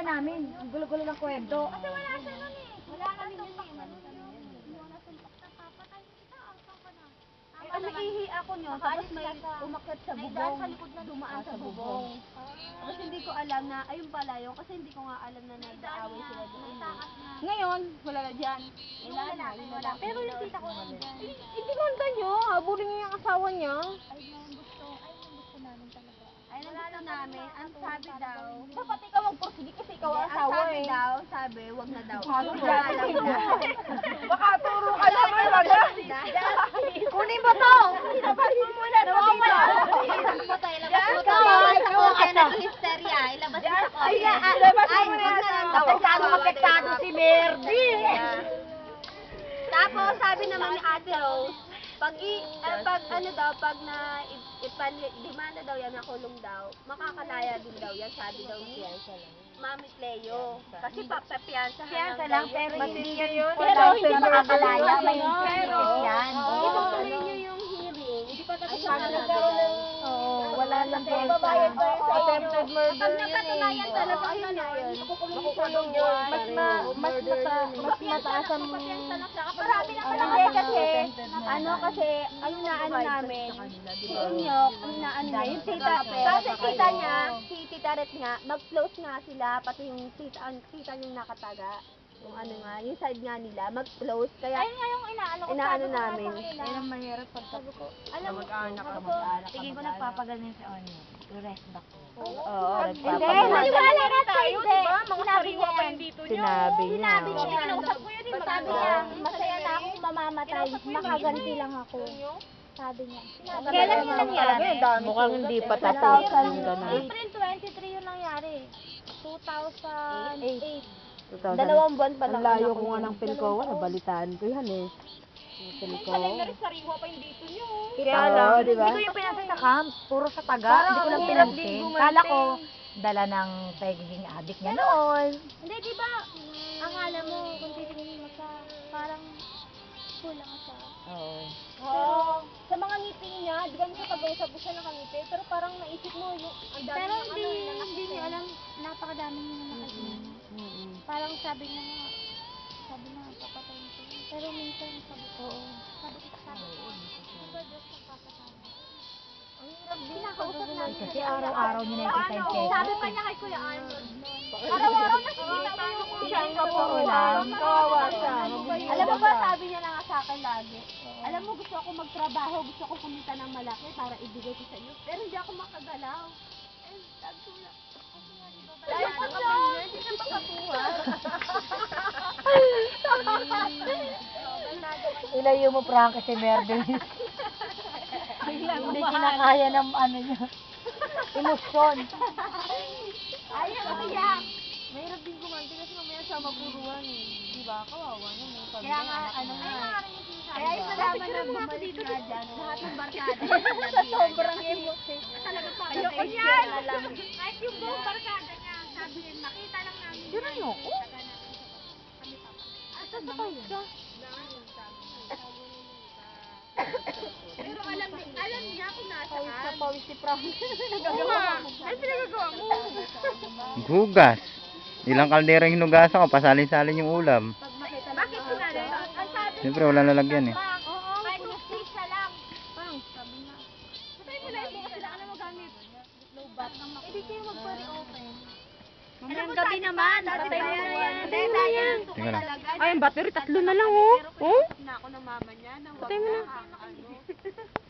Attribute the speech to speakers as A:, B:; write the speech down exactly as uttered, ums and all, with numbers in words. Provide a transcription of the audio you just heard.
A: namin. Ang gulo-gulo ng kwento.
B: Kasi wala siya nun eh. Wala kami yun eh. Yung nasuntok na papatay kita. Asa ka na?
C: Eh, umiihi ako nyo, tapos may umakyat sa bubong, dumaan sa bubong. Tapos hindi ko alam na, ayun pala yun, kasi hindi ko nga alam na nag-aaway sila doon.
A: Ngayon, wala na dyan.
C: Wala na, wala.
B: Pero yung tita ko nandyan.
A: Hindi ganda nyo. Habulin niyo yung asawa niya.
B: Ay, yung gusto. Ay, yung gusto namin talaga.
C: Ay, nandito namin, ang sabi daw,
A: Dapat ikaw magpursige kasi ikaw ang
C: ang
A: asawa
C: sabi
A: eh.
C: daw, sabi, wag na daw.
A: Baka
C: Wala lang na.
A: Baka turo ka lang eh. Wala. Kunin mo to. Ilabas mo muna. Nawawala.
C: Ilabas mo to, ilabas mo to.
A: Ikaw ang
C: Kaya
A: asa.
C: nag-hysteria, ilabas mo sa
A: Ay,
C: kotse.
A: ilabas mo
C: Ay,
A: muna
C: wag
A: yan.
C: na lang daw.
A: Apektado, apektado si Merdy.
C: Tapos sabi naman ni Ate Rose, pag i, eh, pag ano daw, pag na ipan demanda daw yan, nakulong daw, makakalaya din daw yan, sabi daw niya. Mami Cleo. Kasi papapiyansa
A: Piyansa lang, pero hindi yun.
C: Pero hindi
A: makakalaya. May
C: Pero,
A: yan.
C: itutuloy niyo yung hearing. Hindi pa tapos ang
A: Oo, wala lang po. Attempted murder
C: Pag napatunayan talaga, ayun na yun.
A: Makukulong yun. Mas ma, mas mata, mas mataas ang...
C: Marami na pala.
A: Hindi kasi,
C: Ano kasi, ang inaano namin, si Inyok, ang inaano niya, yung tita, kasi tita niya, si Tita Ret nga, mag-close nga sila, pati yung tita, ang tita niyang nakataga, yung ano nga, yung side nga nila, mag-close, kaya,
B: Ayun nga yung inaano ko.
C: inaano
B: sabi ko nga
C: namin.
B: sa kanila.
A: Yan ang mahirap pag
B: Sabi ko, alam mo,
A: mag-anak ka,
B: sabi ko,
A: mag-anak ka,
D: Tingin ko
A: mag-anak.
D: nagpapagaling si Onyo. Rest back.
A: Oo,
C: Hindi, maniwala ka tayo, di ba? Mga
B: sariwa pa
C: yan.
A: Sinabi niya.
C: Sinabi niya.
B: Kinausap ko yun eh.
C: Sabi niya, masaya na akong mamamatay, makaganti lang ako. Sabi niya.
B: Kailan yun nangyari?
A: Mukhang hindi pa tapos yung gano'n.
B: April twenty-three yung nangyari. two thousand eight.
C: Dalawang buwan pa lang.
A: Ang layo ko nga ng Pilcoa, nabalitaan ko yan eh. Yung Pilcoa.
D: Kaya
A: Oo,
D: lang,
A: di ba?
D: hindi ko yung pinansin sa camp. Puro sa taga. Hindi ko lang pinansin. Kala ko, dala ng pagiging addict niya noon.
B: Hindi, di ba? Ang alam mo, kung titingin mo sa, parang kulang siya.
D: Oo.
C: Oo. Sa mga ngiti niya, di ba niya pag-usap ko siya nakangiti, pero parang naisip mo yung ang dami
B: Pero
C: ng
B: hindi,
C: ano, yung
B: hindi niyo alam, napakadami niyo na nakasama. Parang sabi niya nga, sabi na, papatayin ko. yun. Pero minsan, sabi ko, sabi ko, sabi ko, di ba Diyos ang papatayin? Ang hirap din, nakausap namin.
D: Kasi araw-araw niya nakikita yung
B: Ano,
D: Facebook.
B: sabi pa niya kay Kuya Arnold, araw-araw nakikita ko yung
C: Siya ang
D: Oo
C: kapuulan.
D: lang.
A: Kawawa siya.
C: Alam mo ba, sabi niya na nga sa akin lagi, alam mo, gusto ako magtrabaho, gusto ko kumita ng malaki para ibigay ko sa iyo, pero hindi ako makagalaw. Eh, sabi ko lang, dahil sa kanya, hindi na makakuha.
D: Ilayo mo, Frank, si Merde. Hindi kinakaya ng ano niya. Emosyon.
C: Ayaw, ayaw.
A: Mahirap din kumanti kasi mamaya siya mapuruan eh. Di ba? Kawawa na may pamilya.
C: Kaya nga, ano nga, kaya yung
B: Diba?
C: nalaman na bumalik nga dyan, lahat ng barkada niya sinabihan
B: sobrang
C: niya.
B: emotion.
C: Talaga pa,
B: Ayoko
C: face
B: yan.
C: na lang.
B: Kahit yung buong barkada niya, sabi niya, makita lang namin.
D: Sino niyo?
B: Asa ba kayo? Pero alam ni, alam niya kung
C: Pawis na
B: nasaan.
C: pawis si Frank.
B: Oo nga. Ano pinagagawa mo?
E: Hugas. Ilang kaldera yung hinugasan ko, pasalin-salin yung ulam.
B: Bakit sinali? Ang sabi
E: Siyempre, wala lalagyan eh.
B: Bang, oo, kahit toothpaste na lang. Bang, sabi nga. Patay mo lang yung sila ka na magamit. Low bat. Hindi kayo magpa-reopen.
C: Mamayang gabi naman, patay mo na yan.
B: Patay na yan.
E: Teka lang.
A: Ay, ang battery, tatlo na lang oh. Oh?
C: Na ako ng mama niya, na
A: Patay mo na.